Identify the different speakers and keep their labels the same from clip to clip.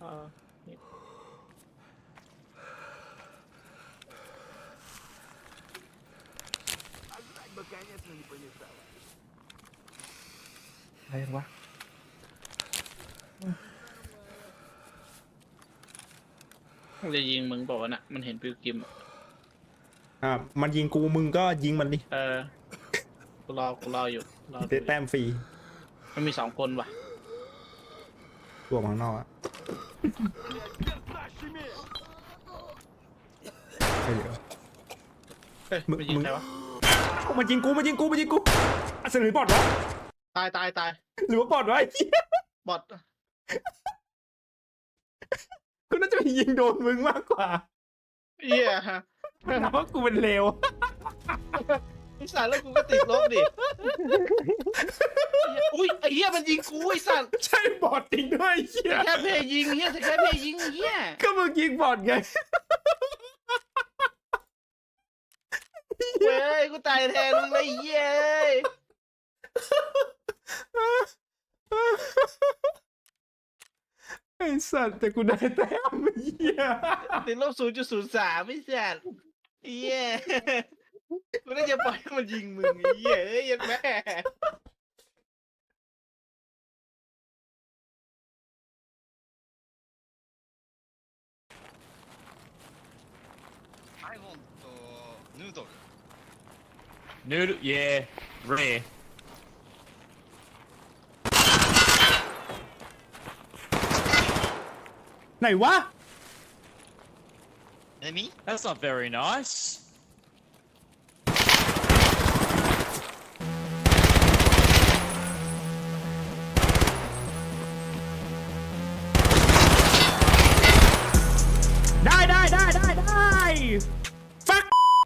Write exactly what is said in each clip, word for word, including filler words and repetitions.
Speaker 1: อ่า
Speaker 2: А жрать бы, конечно, не помешало.
Speaker 3: อะไรยังวะ
Speaker 1: มันจะยิงมึงบอกว่าน่ะมันเห็นปิวกิม
Speaker 4: อ่ามันยิงกูมึงก็ยิงมันดิ
Speaker 1: เออกูรอกูรออยู่รอดู
Speaker 4: ได้แต้มฟรี
Speaker 1: มันมีสองคนว่ะ
Speaker 4: ตัวข้างนอกอะ
Speaker 2: Перцащими!
Speaker 4: ใช่เดี๋ยว
Speaker 1: เฮ้ย
Speaker 4: มึง
Speaker 1: มันยิง
Speaker 4: มึง
Speaker 1: ใครวะ
Speaker 4: มันยิงกูมันยิงกูมันยิงกูอ่ะเสนอบอดวะ
Speaker 1: ตายตายตาย
Speaker 4: หรือว่าบอดวะไอ้เหี้ย
Speaker 1: บอท
Speaker 4: กูน่าจะไปยิงโดนมึงมากกว่า
Speaker 1: เหี้ย
Speaker 4: เพราะกูเป็นเลว
Speaker 1: ไอ้สัตว์แล้วกูก็ติดลบดิอุ้ยไอ้เหี้ยมันยิงกูไอ้สัตว์
Speaker 4: ใช่บอดจริงด้วยไอ้เหี้ย
Speaker 1: แค่เพย์ยิงเหี้ยแค่เพย์ยิงเหี้ย
Speaker 4: ก็มึงยิงบอดไง
Speaker 1: เว้ยกูตายแทนมึงเลยเหี้ย
Speaker 4: ไอ้สัตว์แต่กูได้แต้มไอ้เหี้ย
Speaker 1: ติดลบศูนย์จุดศูนย์สามไม่สัตว์เหี้ยกูน่าจะปล่อยให้มันยิงมึงไอ้เหี้ยเอ้ยยันแม่
Speaker 5: I want noodle.
Speaker 6: Noodle, yeah, rare.
Speaker 4: Này quá.
Speaker 5: Enemy?
Speaker 6: That's not very nice.
Speaker 4: Die, die, die, die, die. Fuck.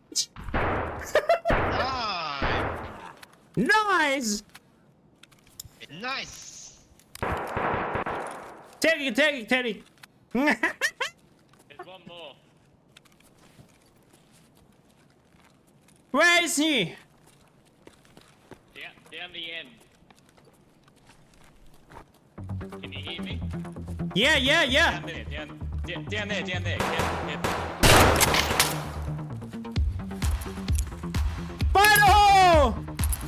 Speaker 5: Nice!
Speaker 4: Nice.
Speaker 5: Nice!
Speaker 4: Take it, take it, take it.
Speaker 6: There's one more.
Speaker 4: Where is he?
Speaker 6: Down, down the end. Can you hear me?
Speaker 4: Yeah, yeah, yeah.
Speaker 6: Down there, down, down, down there, down there. Down, down.
Speaker 4: Fire the hole.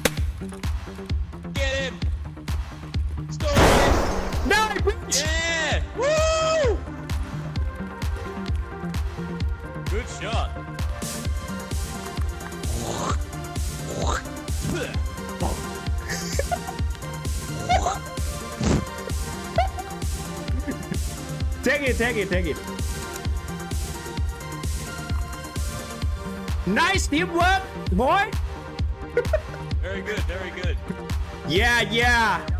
Speaker 6: Get him! Stop him!
Speaker 4: Die, bitch.
Speaker 6: Yeah! Woo! Good shot.
Speaker 4: Take it, take it, take it. Nice teamwork, boy.
Speaker 6: Very good, very good.
Speaker 4: Yeah, yeah.